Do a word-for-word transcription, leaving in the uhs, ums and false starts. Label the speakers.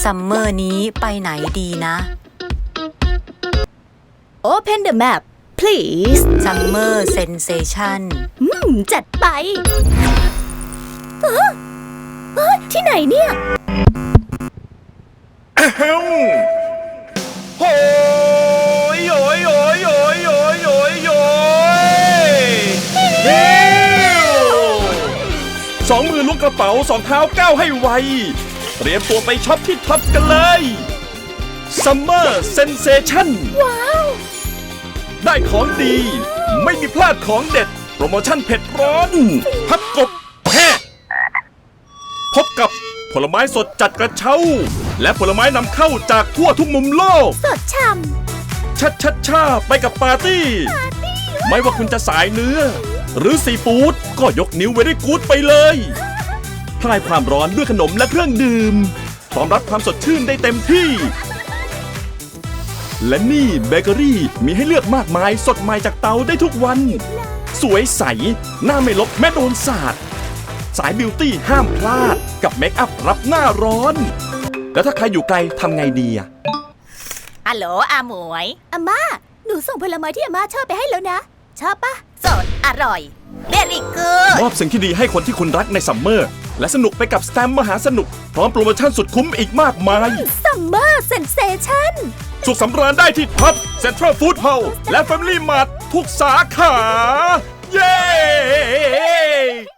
Speaker 1: ซัมเมอร์นี้ไปไหนดีนะ
Speaker 2: Open the map please
Speaker 1: ซัมเมอร์เซนเซชัน
Speaker 2: อืมจัดไปเอ้อเอ้ยที่ไหนเนี่ย
Speaker 3: โอ้ยโอยโอยโอยโอยโอยโอยสองมือล้วงกระเป๋าสองเท้าก้าวให้ไวเตรียมตัวไปช็อปที่ท็อปกันเลย Summer Sensation
Speaker 2: ว้าว
Speaker 3: ได้ของดีไม่มีพลาดของเด็ดโปรโมชั่นเผ็ดร้อนพับกบแห่พบกับผลไม้สดจัดกระเช้าและผลไม้นำเข้าจากทั่วทุกมุมโลก
Speaker 2: สดช่
Speaker 3: ชัดชัดชาไปกับปาร์ตี้ไม่ว่าคุณจะสายเนื้อหรือซีฟู้ดก็ยกนิ้วเวรี่กู๊ดไปเลยคลายความร้อนด้วยขนมและเครื่องดื่มพร้อมรับความสดชื่นได้เต็มที่ และนี่เบเกอรี่มีให้เลือกมากมายสดใหม่จากเตาได้ทุกวัน สวยใสหน้าไม่ลบแม้โดนสาดสายบิวตี้ห้ามพลาดกับเมคอัพรับหน้าร้อน แล้วถ้าใครอยู่ไกลทำไงดีอะ
Speaker 2: ฮัลโหลอาหมวยอาม่าหนูส่งผลไม้ที่อาม่าชอบไปให้แล้วนะ ชอบปะสดอร่อยเบริกูด
Speaker 3: มอบสิ่งที่ดีให้คนที่คุณรักในซัมเมอร์และสนุกไปกับสแตมป์มหาสนุกพร้อมโปรโมชั่นสุดคุ้มอีกมากมาย
Speaker 2: ซัมเมอร์เซนเซชั่น
Speaker 3: สุขสำราญได้ที่ท็อปเซ็นทรัลฟู้ดฮอลล์และ Family Mart ทุกสาขา เย้